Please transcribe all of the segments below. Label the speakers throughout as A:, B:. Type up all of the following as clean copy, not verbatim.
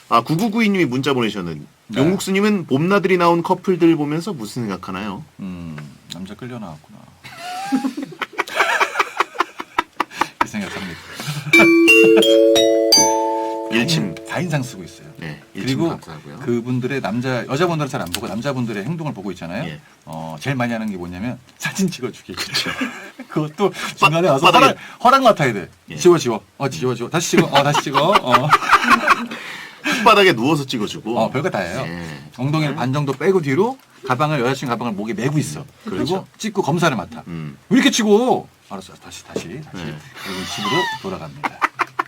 A: 아 9992님이 문자 보내셨는
B: 네.
A: 용국수님은 봄나들이 나온 커플들 보면서 무슨 생각하나요?
B: 남자 끌려 나왔구나. 이 생각합니다.
A: 1침
B: 4인상 쓰고 있어요.
A: 네, 1침
B: 그리고
A: 감사하고요.
B: 그분들의 여자분들은 잘 안 보고 남자분들의 행동을 보고 있잖아요.
A: 예.
B: 제일 많이 하는 게 뭐냐면 사진 찍어주기. 그렇죠. 그것도 중간에 와서
A: 바닥에.
B: 허락 맡아야 돼.
A: 예.
B: 지워. 지워. 다시 찍어. 다시 찍어.
A: 흙바닥에 누워서 찍어주고.
B: 별거 다 해요.
A: 예.
B: 엉덩이를 반 정도 빼고 뒤로 여자친구 가방을 목에 메고 있어. 그리고
A: 그렇죠.
B: 찍고 검사를 맡아.
A: 음.
B: 왜 이렇게 치고? 알았어. 다시.
A: 네.
B: 그리고 집으로 돌아갑니다.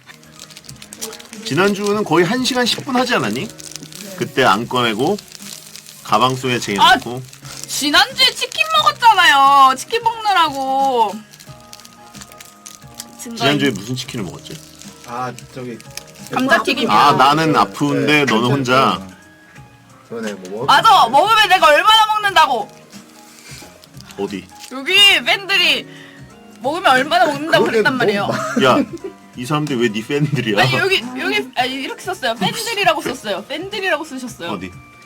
A: 지난주는 거의 1시간 10분 하지 않았니? 그때 안 꺼내고 가방 속에 쟁여놓고
C: 지난주에 치킨 먹었잖아요. 치킨 먹느라고.
A: 지난주에 무슨 치킨을 먹었지?
D: 아 저기
C: 감자튀김이요.
A: 아 나는 아프는데 너는 혼자
D: 전에 뭐
C: 맞아. 먹으면 내가 얼마나 먹는다고.
A: 어디?
C: 여기 팬들이 먹으면 얼마나 먹는다고
D: 그러게
C: 그랬단 말이에요.
A: 야 이 사람들 왜 네 팬들이야?
C: 아니 여기 이렇게 썼어요. 팬들이라고 썼어요. 팬들이라고 쓰셨어요.
A: 어디?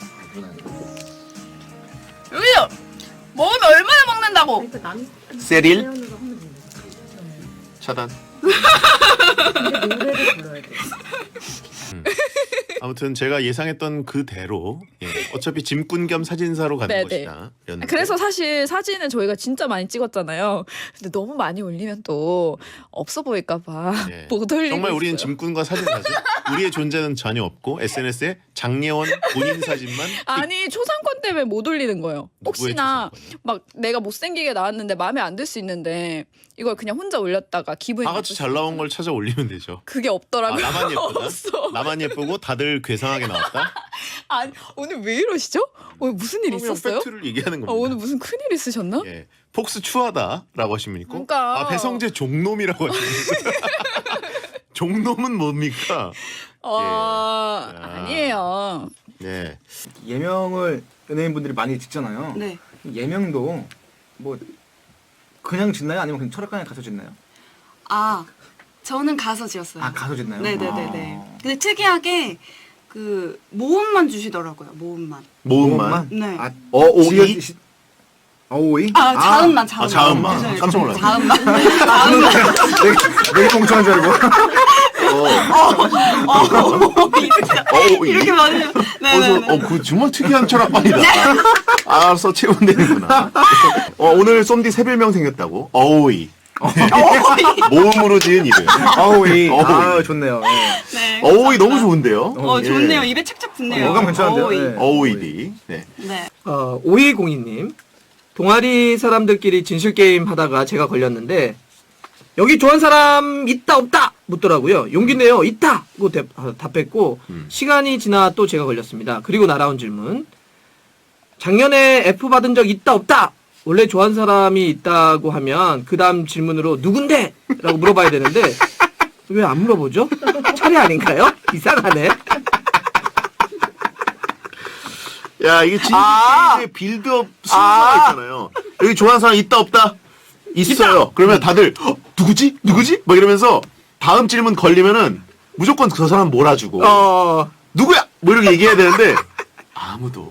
C: 여기요. 먹으면 얼마나 먹는다고.
E: 그러니까 남
A: 세릴?
E: 사연으로 하면 되는
A: 차단.
E: 근데 노래를 불러야 돼.
A: 아무튼 제가 예상했던 그대로 어차피 짐꾼 겸 사진사로 가는
F: 네네.
A: 것이다. 였는데.
F: 그래서 사실 사진은 저희가 진짜 많이 찍었잖아요. 근데 너무 많이 올리면 또 없어 보일까봐
A: 예.
F: 못 올리고
A: 정말 우리는
F: 있어요.
A: 짐꾼과 사진사죠. 우리의 존재는 전혀 없고 SNS에 장예원 본인 사진만
F: 아니 초상권 때문에 못 올리는 거예요.
A: 누구의
F: 혹시나
A: 초상권이요?
F: 막 내가 못생기게 나왔는데 마음에 안 들 수 있는데 이걸 그냥 혼자 올렸다가 기분이
A: 다 같이 잘 나온 걸 찾아 올리면 되죠.
F: 그게
A: 아,
F: 없더라고요.
A: 나만 예쁘다?
F: 없어.
A: 나만 예쁘고 다들 괴상하게 나왔다?
F: 아니 오늘 왜 이러시죠? 오늘 무슨 일
A: 그냥
F: 있었어요?
A: 팩트를 얘기하는 겁니다.
F: 오늘 무슨 큰 일 있으셨나?
A: 예. 폭스 추하다라고 하시면 있고
F: 그러니까.
A: 아 배성재 종놈이라고 하시면 있고 종놈은 뭡니까? 예.
F: 아니에요.
A: 네.
D: 예명을 연예인분들이 많이 짓잖아요.
C: 네.
D: 예명도 뭐 그냥 짓나요? 아니면 그냥 철학관에 가서 짓나요?
G: 아, 저는 가서 지었어요.
D: 아 가서 짓나요?
G: 네네네네.
D: 아.
G: 근데 특이하게 그 모음만 주시더라고요. 모음만.
A: 모음만.
G: 네.
D: 아,
A: 오이?
D: 오이?
G: 아, 자음만.
A: 아, 자음만.
G: 네,
A: 깜짝 놀랐네.
G: 자음만.
D: 내게 멍청한 줄 알고.
G: 이렇게 말해요. 네네네.
A: 그 정말 특이한 철학관이다. 알아서 체험되는구나. 오늘 쏨디 새별명 생겼다고. 어우이. 모음으로 지은 이름.
D: 어우이.
A: 어우이.
D: 아 좋네요. 예.
G: 네.
A: 어우이 너무 좋은데요.
G: 좋네요.
A: 예.
G: 입에 착착 붙네요.
D: 어감 괜찮은데요?
G: 어이.
D: 네.
A: 어우이디. 네.
G: 네.
H: 5202님 동아리 사람들끼리 진실게임 하다가 제가 걸렸는데 여기 좋아하는 사람 있다 없다 묻더라고요. 용기 내요. 있다! 고 답했고 시간이 지나 또 제가 걸렸습니다. 그리고 날아온 질문 작년에 F 받은 적 있다 없다! 원래 좋아하는 사람이 있다고 하면 그 다음 질문으로 누군데? 라고 물어봐야 되는데 왜 안 물어보죠? 차례 아닌가요? 이상하네.
A: 야 이게 진실게임의 빌드업 순서가 있잖아요. 여기 좋아하는 사람 있다 없다? 있어요. 그러면 다들 누구지? 누구지? 막 이러면서 다음 질문 걸리면은 무조건 그 사람 몰아주고 누구야? 뭐 이렇게 얘기해야 되는데 아무도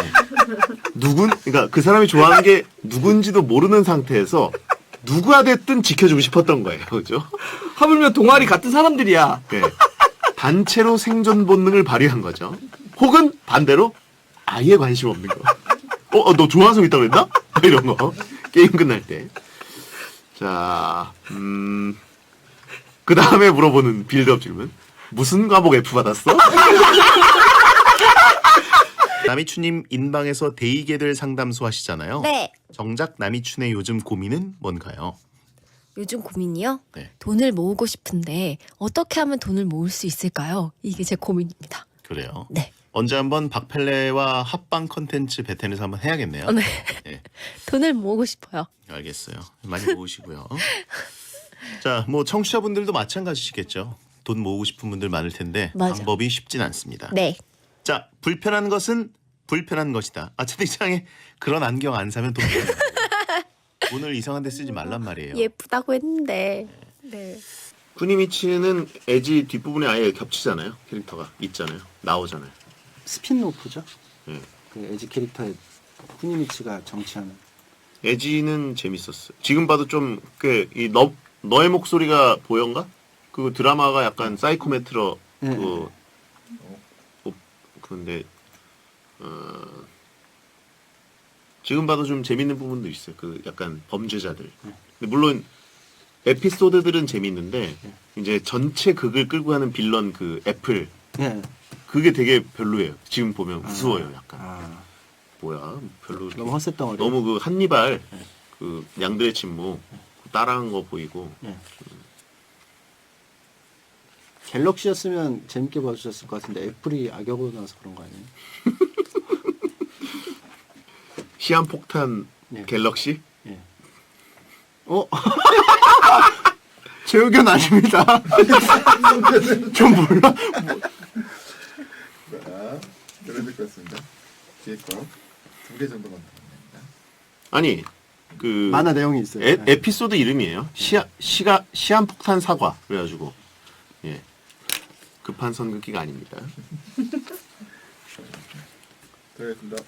A: 그러니까 그 사람이 좋아하는 게 누군지도 모르는 상태에서 누가 됐든 지켜주고 싶었던 거예요. 그죠?
H: 하물며 동아리 같은 사람들이야.
A: 네. 단체로 생존 본능을 발휘한 거죠. 혹은 반대로 아예 관심 없는 거. 너 좋아하는 사람 있다고 그랬나? 이런 거. 게임 끝날 때. 자, 그 다음에 물어보는 빌드업 질문. 무슨 과목 F 받았어? 남이춘님 인방에서 데이게들 상담소 하시잖아요.
I: 네.
A: 정작 남이춘의 요즘 고민은 뭔가요?
I: 요즘 고민이요?
A: 네.
I: 돈을 모으고 싶은데 어떻게 하면 돈을 모을 수 있을까요? 이게 제 고민입니다.
A: 그래요.
I: 네.
A: 언제 한번 박펠레와 합방 컨텐츠 베텐에서 한번 해야겠네요.
I: 네.
A: 네.
I: 돈을 모으고 싶어요.
A: 알겠어요. 많이 모으시고요. 자, 뭐 청취자분들도 마찬가지시겠죠. 돈 모으고 싶은 분들 많을 텐데
I: 맞아.
A: 방법이 쉽진 않습니다.
I: 네.
A: 자, 불편한 것은 불편한 것이다. 채팅창에 그런 안경 안 사면 돈 돈을 이상한 데 쓰지 말란 말이에요.
I: 예쁘다고 했는데. 네.
A: 쿠니미츠는 에지 뒷부분에 아예 겹치잖아요. 캐릭터가 있잖아요. 나오잖아요.
J: 스핀오프죠.
A: 예.
J: 그 에지 캐릭터의 쿠니미츠가 정치하는.
A: 에지는 재밌었어요. 지금 봐도 좀 꽤 이 너의 목소리가 보여인가? 그 드라마가 약간 사이코메트러
J: 예,
A: 근데 지금 봐도 좀 재밌는 부분도 있어요. 그 약간 범죄자들. 근데 물론 에피소드들은 재밌는데 이제 전체 극을 끌고 가는 빌런 그 애플
J: 예.
A: 그게 되게 별로예요. 지금 보면 무서워요. 약간
J: 아,
A: 뭐야 별로 이렇게
J: 너무 헛새덩어리.
A: 너무 그 한니발 그 양들의 침묵 따라한 거 보이고
J: 갤럭시였으면 재밌게 봐주셨을 것 같은데 애플이 악역으로 나와서 그런 거 아니에요?
A: 시한폭탄
J: 예.
A: 갤럭시?
J: 예. 제 의견 아닙니다. 좀 몰라.
K: 들어야 될 것 같습니다. 뒤에 거2개 정도만 남았습니다.
A: 아니 그
J: 만화 내용이 있어요.
A: 에피소드 이름이에요. 시한폭탄 사과 그래가지고 예 급한 선긋기가 아닙니다.
K: 들어가겠습니다.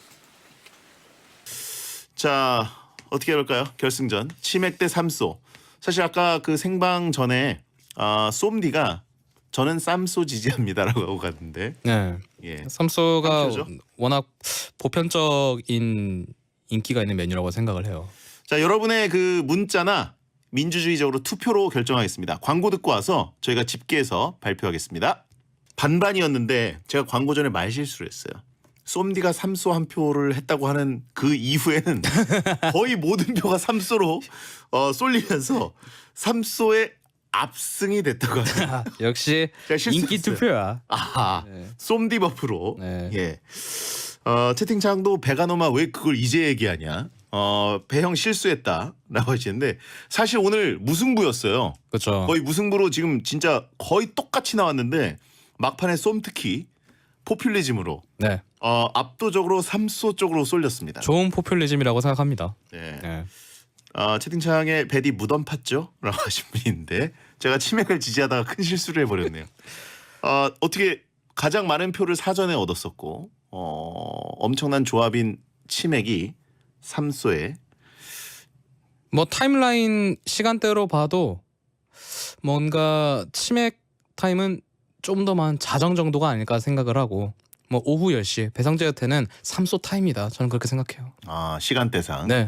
A: 자 어떻게 해볼까요? 결승전 치맥 대 삼소. 사실 아까 그 생방 전에 쏨디가 저는 쌈소 지지합니다라고 하고 갔는데
L: 네.
A: 예.
L: 삼소가
A: 삼소죠?
L: 워낙 보편적인 인기가 있는 메뉴라고 생각을 해요.
A: 자 여러분의 그 문자나 민주주의적으로 투표로 결정하겠습니다. 광고 듣고 와서 저희가 집계해서 발표하겠습니다. 반반이었는데 제가 광고 전에 말실수를 했어요. 쏨디가 삼소 한 표를 했다고 하는 그 이후에는 거의 모든 표가 삼소로 쏠리면서 삼소의 압승이 됐다고 합니다.
L: 역시
A: 제가 실수했어요.
L: 인기 투표야.
A: 아하,
L: 네.
A: 쏨디 버프로.
L: 네.
A: 예. 채팅창도 베가노마 왜 그걸 이제 얘기하냐? 배형 실수했다라고 하시는데 사실 오늘 무승부였어요.
L: 그렇죠.
A: 거의 무승부로 지금 진짜 거의 똑같이 나왔는데 막판에 쏨특히 포퓰리즘으로
L: 네.
A: 압도적으로 삼소 쪽으로 쏠렸습니다.
L: 좋은 포퓰리즘이라고 생각합니다.
A: 네.
L: 네.
A: 채팅창에 베디 무덤 팠죠? 라고 하신 분이 있는데 제가 치맥을 지지하다가 큰 실수를 해버렸네요. 어떻게 가장 많은 표를 사전에 얻었었고 엄청난 조합인 치맥이 삼소에
L: 뭐 타임라인 시간대로 봐도 뭔가 치맥 타임은 좀 더 많은 자정 정도가 아닐까 생각을 하고 뭐 오후 10시 배성재한테는 삼소 타임이다. 저는 그렇게 생각해요.
A: 시간대상.
L: 네.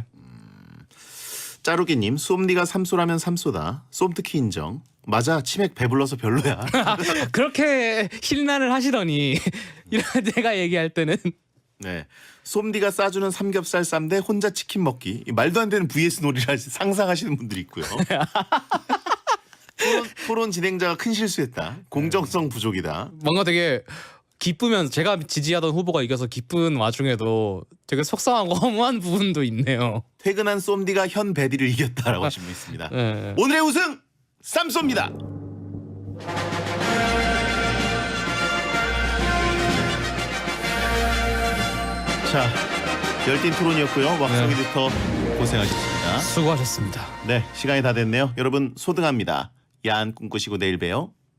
A: 짜루기님 쏨디가 삼소라면 삼소다. 쏨특히 인정. 맞아 치맥 배불러서 별로야.
L: 그렇게 힐난을 하시더니 이런 제가 얘기할 때는
A: 네. 쏨디가 싸주는 삼겹살 쌈대 혼자 치킨 먹기. 이 말도 안 되는 vs 놀이를 상상하시는 분들이 있고요. 토론 진행자가 큰 실수했다. 공정성 부족이다.
L: 뭔가 되게 기쁘면서 제가 지지하던 후보가 이겨서 기쁜 와중에도 되게 속상하고 허무한 부분도 있네요.
A: 퇴근한 쏨디가 현 베디를 이겼다라고 하신 분 있습니다.
L: 네.
A: 오늘의 우승 쌈소입니다. 자, 열띤 토론이었고요. 왁성 에디터 고생하셨습니다.
L: 수고하셨습니다.
A: 네, 시간이 다 됐네요. 여러분 소등합니다. 야한 꿈꾸시고 내일 봬요.